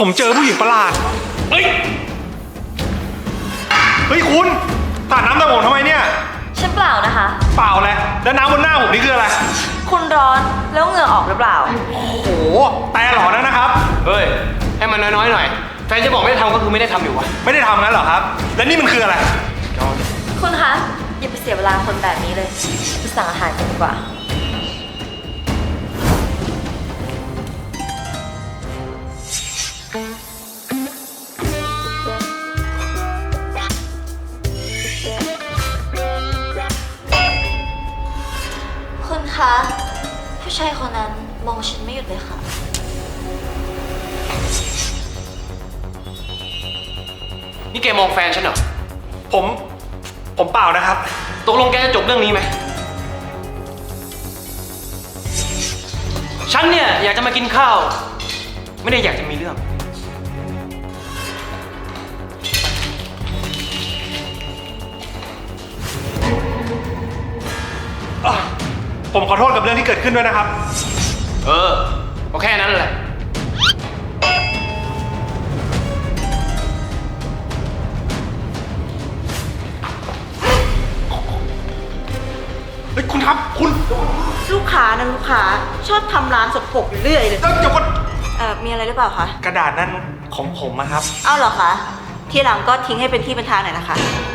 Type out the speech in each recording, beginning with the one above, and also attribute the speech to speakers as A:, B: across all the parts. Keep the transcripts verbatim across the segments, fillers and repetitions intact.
A: ผมเจอผู้หญิงประหลาดเฮ้ยเฮ้ยคุณสาดน้ำตาผมทำไมเนี่ย
B: ฉันเปล่านะคะ
A: เปล่าเลยแล้วน้ำบนหน้าผมนี่คืออะไร
B: คุณร้อนแล้วเหงื่อออกหรือเปล่า
A: โอ้โหแต่หลอนนะครับ
C: เฮ้ยให้มันน้อยๆหน่อยแฟนจะบอกไม่ได้ทำก็คือไม่ได้ทำอยู่วะ
A: ไม่ได้ทำงั้นเหรอครับ แล้วนี่มันคืออะไร
B: คุณคะอย่าไปเสียเวลาคนแบบนี้เลยไปสั่งอาหารกันดีกว่าคุณคะผู้ชายคนนั้นมองฉันไม่หยุดเลยค่ะ
C: นี่แกมองแฟนฉันเหรอ
A: ผมผมเปล่านะครับ
C: ตกลงแกจะจบเรื่องนี้ไหมฉันเนี่ยอยากจะมากินข้าวไม่ได้อยากจะมีเรื่อง
A: อ่ะผมขอโทษกับเรื่องที่เกิดขึ้นด้วยนะครับ
C: เออก็แค่นั้นแหละ
A: เฮ้ยคุณครับคุณ
D: ลูกค้านะลูกค้าชอบทำร้านสกปรกอยู่เรื่อยเลย
A: เอ้ยเดี๋ยวก่อน
D: เอ่อมีอะไรหรือเปล่าคะ
A: กระดาษนั่นของผมอะครับ
D: เอาเหรอคะทีหลังก็ทิ้งให้เป็นที่เป็นทางหน่อยนะคะ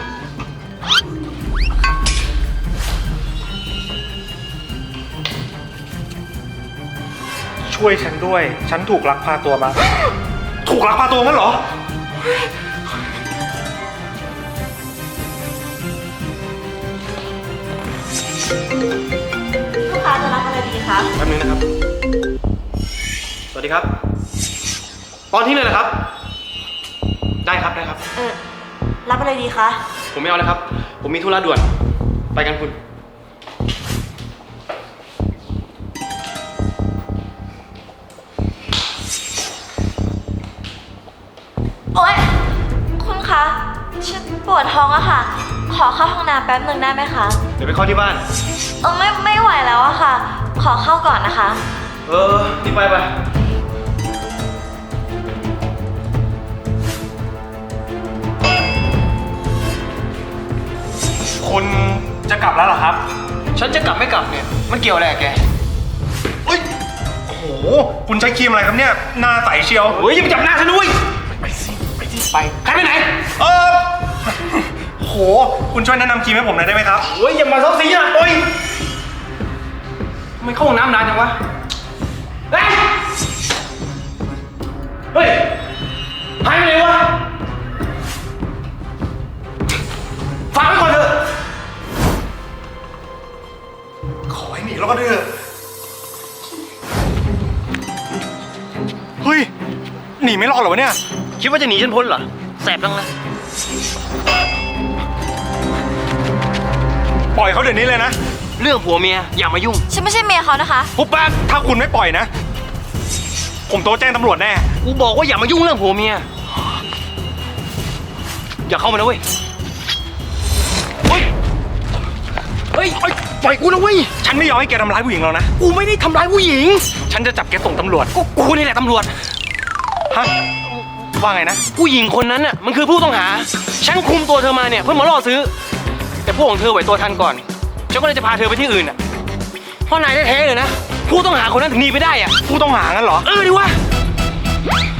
A: ช่วยฉันด้วย ฉันถูกลักพาตัวมา ถูกลักพาตัวงั้นเหรอ
D: ลูกค้าจะรับอะไรดีคะ
C: แป๊บนึงนะครับ สวัสดีครับ ตอนที่เลยนะครับ ได้ครับได้ครับ
D: เออรับอะไรดีคะ
C: ผมไม่เอาเลยครับ ผมมีธุระด่วน ไปกันคุณ
B: โอ๊ยคุณคะฉันปวดท้องอะค่ะ ขอเข้าห้องน้ำแป๊บหนึ่งได้ไหมคะ
C: เดี๋ยวไปเข้าที่บ้าน
B: เออไม่ไม่ไหวแล้วอะค่ะ ขอเข้าก่อนนะคะ
C: เออรีบไปไป
A: คุณจะกลับแล้วเหรอครับ
C: ฉันจะกลับไม่กลับเนี่ย มันเกี่ยวอะไรกับแก
A: เฮ้ย โอ้โห คุณใช้ครีมอะไรครับเนี่ย หน้าใสเชียว
C: เฮ้ยอย่าไปจับหน้าฉันด้วย
A: ไปสิ ไปสิ
C: ไป ใครไปไหน
A: เออโห คุณช่วยแนะนำครีมให้ผมหน่อยได้ไหมครับ
C: เฮ้ยอย่ามาซ้อมสีนะโอ้ยทำไมเข้าห้องน้ำนานจังวะ เฮ้ย เฮ้ยหายไปไหนวะฝากไว้ก่อนเถอะ
A: ขอให้หนีแล้วก็เถอะเฮ้ย หนีไม่รอดเหรอวะเนี่ย
C: คิดว่าจะหนีฉันพ้นเหรอ แสบจังเลย
A: ปล่อยเขาเดี๋ยวนี้เลยนะ
C: เรื่องผัวเมียอย่ามายุ่ง
B: ฉันไม่ใช่เมียเขานะคะ
A: ปุ๊บปั๊บถ้าคุณไม่ปล่อยนะ ผมโทรแจ้งตำรวจแน่
C: กูบอกว่าอย่ามายุ่งเรื่องผัวเมีย อย่าเข้ามานะเว้ย เฮ้ย เฮ้ย ปล่อยกูนะเว้ย
A: ฉันไม่ยอมให้แกทำร้ายผู้หญิงหรอกนะ
C: กูไม่ได้ทำร้ายผู้หญิง
A: ฉันจะจับแกส่งตำรวจ
C: ก็กูนี่แหละตำรวจ
A: ฮะ ว่าไงนะ
C: ผู้หญิงคนนั้นน่ะมันคือผู้ต้องหา ฉันคุมตัวเธอมาเนี่ยเพื่อมาล่อซื้อ แต่พวกของเธอไหวตัวทันก่อน ฉันก็เลยจะพาเธอไปที่อื่นอ่ะเพราะนายแท้ๆเลยนะ ผู้ต้องหาคนนั้นถึงหนีไปได้อ่ะ
A: ผู้ต้องหางั้นเหรอ
C: เออดิวะ